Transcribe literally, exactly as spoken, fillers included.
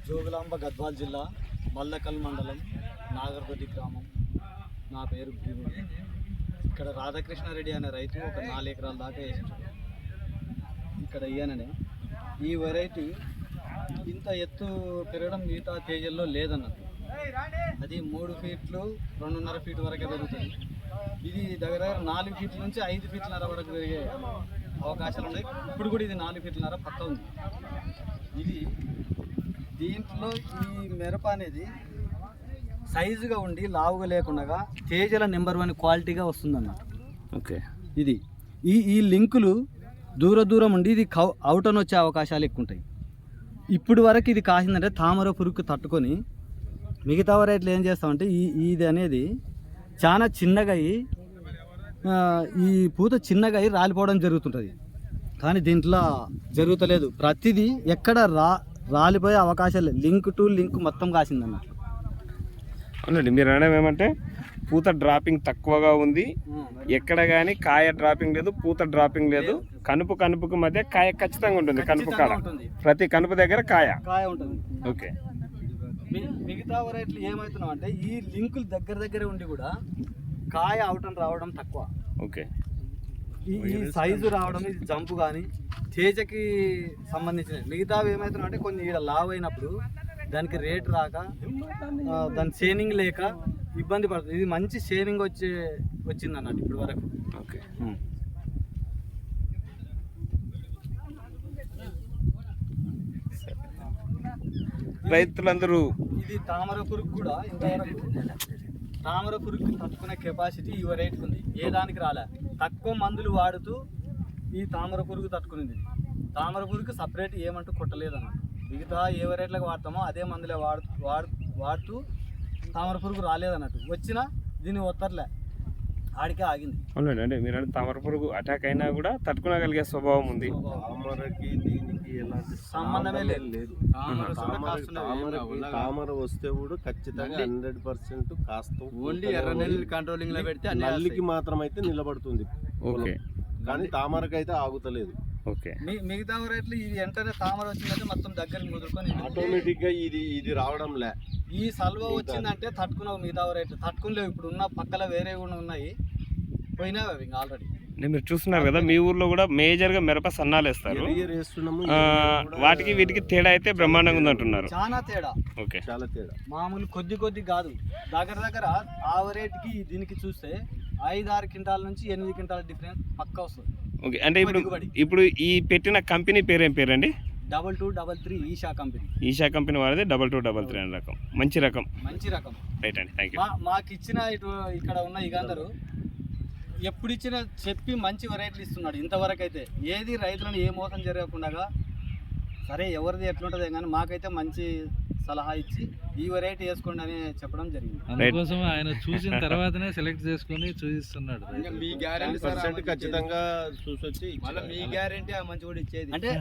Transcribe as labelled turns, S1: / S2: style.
S1: జోగులాంబ గద్వాల్ జిల్లా మల్లకల్ మండలం నాగర్దొడ్డి గ్రామం. నా పేరు భీముడు. ఇక్కడ రాధాకృష్ణారెడ్డి అనే రైతు ఒక నాలుగు ఎకరాల దాకా వేసింటాడు. ఇక్కడ ఇయ్యననే ఈ వెరైటీ ఇంత ఎత్తు పెరగడం మిగతా తేజల్లో లేదన్నది. అది మూడు ఫీట్లు రెండున్నర ఫీట్ వరకే పెరుగుతుంది. ఇది దగ్గర దగ్గర నాలుగు ఫీట్ల నుంచి ఐదు ఫీట్లన్నర వరకు పెరిగే అవకాశాలు ఉన్నాయి. ఇప్పుడు కూడా ఇది నాలుగు ఫీట్లన్నర పక్క ఉంది. ఇది దీంట్లో ఈ మిరప అనేది సైజుగా ఉండి లావుగా లేకుండా తేజల నెంబర్ వన్ క్వాలిటీగా వస్తుందన్నమాట.
S2: ఓకే,
S1: ఇది ఈ ఈ లింకులు దూర దూరం ఉండి ఇది కౌ అవుటన్ వచ్చే అవకాశాలు ఎక్కువ ఉంటాయి. ఇప్పుడు వరకు ఇది కాసిందంటే తామర పురుగుకు తట్టుకొని మిగతా వెరైటీలు ఏం చేస్తామంటే ఈ ఇది అనేది చాలా చిన్నగా అయ్యి ఈ పూత చిన్నగా అయ్యి రాలిపోవడం జరుగుతుంటుంది. కానీ దీంట్లో జరుగుతలేదు. ప్రతిదీ ఎక్కడ రా రాలిపోయే అవకాశాలు లింక్ టు లింక్ మొత్తం కాసిందన్నమాట.
S2: అవునండి, మీరు అనడం ఏమంటే పూత డ్రాపింగ్ తక్కువగా ఉంది, ఎక్కడ కానీ కాయ డ్రాపింగ్ లేదు, పూత డ్రాపింగ్ లేదు. కనుపు కనుపుకు మధ్య కాయ ఖచ్చితంగా ఉంటుంది. కనుపు కాడ ప్రతి కనుపు దగ్గర కాయ
S1: కాయ ఉంటుంది.
S2: ఓకే,
S1: మిగతా వెరైటీలు ఏమవుతున్నాం అంటే ఈ లింకులు దగ్గర దగ్గరే ఉండి కూడా కాయ అవుటం రావడం తక్కువ.
S2: ఓకే,
S1: ఈ సైజు రావడం, ఇది జంపు కానీ తేజకి సంబంధించిన మిగతావి ఏమవుతున్నాం అంటే కొన్ని ఇక్కడ లావ్ అయినప్పుడు దానికి రేట్ రాక దాని షేనింగ్ లేక ఇబ్బంది పడుతుంది. ఇది మంచి షేనింగ్ వచ్చే వచ్చింది అన్నట్టు ఇప్పుడు వరకు.
S2: ఓకే, రైతులందరూ
S1: ఇది తామర పురుగు కూడా ఇంతవరకు తామర పురుగు తట్టుకునే కెపాసిటీ ఈ వెరైటీకి ఉంది. ఏ దానికి రాలే. తక్కువ మందులు వాడుతూ ఈ తామర పురుగు తట్టుకునేది. తామర పురుగు సపరేట్ ఏమంటూ కొట్టలేదు అన్నమాట. మిగతా ఏ వెరైటీలకు వాడతామో అదే మందులే వాడు వాడు వాడుతూ తామర పురుగు రాలేదన్నట్టు. వచ్చినా దీన్ని ఒత్తర్లే, ఆడికే ఆగింది.
S2: అవునండి, అంటే మీరు అంటే తామర పురుగు అటాక్ అయినా కూడా తట్టుకునగలిగే స్వభావం ఉంది.
S3: తామరకి దీనికి ఎలాంటి
S1: సంబంధమే లేదు.
S3: తామర వస్తే కూడా ఖచ్చితంగా హండ్రెడ్ పర్సెంట్ కాస్తాం.
S1: ఓన్లీ ఎర్ర నెల్లి కంట్రోలింగ్ లో పెడితే
S3: నల్లికి మాత్రం అయితే నిలబడుతుంది.
S2: ఓకే,
S3: కానీ తామరకి అయితే ఆగుతలేదు.
S2: ఓకే,
S1: మిగతా రేట్లు ఇది వెంటనే తామర వచ్చిందంటే మొత్తం దగ్గరికి ముదురుకొని
S3: ఆటోమేటిక్ గా ఇది ఇది రావడం లే.
S1: ఈ సల్వ వచ్చిందంటే తట్టుకున్నావు. మిగతా రేట్లు తట్టుకునేవి. ఇప్పుడు ఉన్న పక్కల వేరే కూడా ఉన్నాయి, పోయినావి అవి ఇంకా ఆల్రెడీ.
S2: మీరు చూస్తున్నారు కదా, మీ ఊర్లో కూడా మేజర్ గా మిరప సన్నాలు వేస్తారు. వాటికి వీటికి తేడా అయితే బ్రహ్మాండంగా ఉంది అంటున్నారు.
S1: చాలా తేడా.
S2: ఓకే,
S3: చాలా తేడా.
S1: మామూలు కొద్ది కొద్ది కాదు, దగ్గర దగ్గర ఆ రేట్కి దీనికి చూస్తే ఐదు ఆరు క్వింటాల నుంచి ఎనిమిది క్వింటాల డిఫరెన్స్ పక్కా వస్తుంది.
S2: ఓకే, అంటే ఇప్పుడు ఇప్పుడు ఈ పెట్టిన కంపెనీ పేరు ఏం పేరండి?
S1: Double two double three Isha company.
S2: Isha company వారిది డబల్ టూ డబల్ త్రీ అనే రకం. మంచి రకం,
S1: మంచి రకం.
S2: రైట్ అండి, థ్యాంక్ యూ.
S1: మాకు ఇచ్చిన ఇటు ఇక్కడ ఉన్న ఇక అందరూ ఎప్పుడు ఇచ్చినా చెప్పి మంచి వెరైటీలు ఇస్తున్నాడు. ఇంతవరకు అయితే ఏది రైతులను ఏ మోసం జరగకుండా, సరే ఎవరిది ఎట్లుంటుంది కానీ మాకైతే మంచి సలహా ఇచ్చి ఈ వెరైటీ వేసుకోండి అని చెప్పడం జరిగింది.
S4: అందుకోసం ఆయన చూసిన తర్వాతనే సెలెక్ట్ చేసుకొని చూపిస్తున్నాడు.
S1: మీ గ్యారెంటీ
S3: ఖచ్చితంగా చూసొచ్చి
S1: మీ గ్యారెంటీ మంచి కూడా ఇచ్చేది అంటే